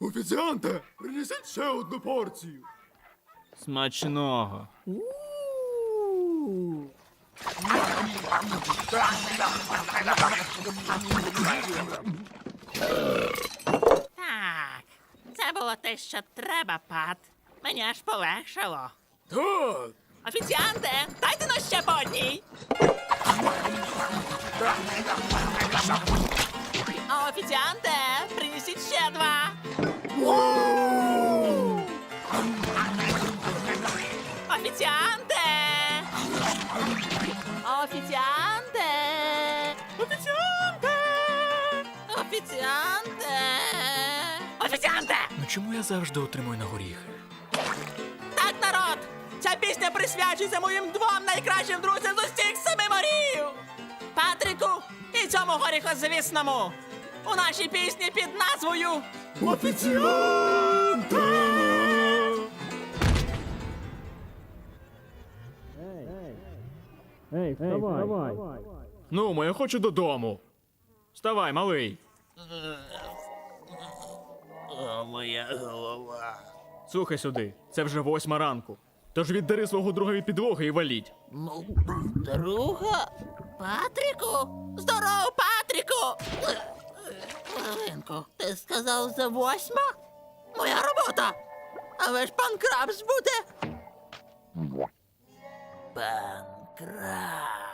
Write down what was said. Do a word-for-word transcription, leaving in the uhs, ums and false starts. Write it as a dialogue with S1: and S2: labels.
S1: Офіціанте, принесіть ще одну порцію.
S2: Смачного.
S3: Так, це було те, що треба, Пат. Мені аж полегшало.
S1: Так.
S3: Офіціанте, дайте нас ще по одній. А офіціанте, принесіть ще два. Офіціанте! Офіціанте! Офіціанте! Офіціанте! Офіціанте!
S2: Ну чому я завжди отримую на горіхи?
S3: Так, народ! Ця пісня присвячується моїм двом найкращим друзям з усіх семи морів! Патрику і цьому горіхозвісному! У нашій пісні під назвою
S1: Офіціанте!
S2: Ну, я хочу додому. Вставай, малий.
S3: О, моя голова.
S2: Слухай сюди, це вже восьма ранку. Тож віддари свого другові підлоги і валіть.
S3: Ну, друга? Патріку? Здорово, Патріку! Хвилинку, ти сказав за восьма? Моя робота! Але ж пан Крабс буде. Пан Крабс.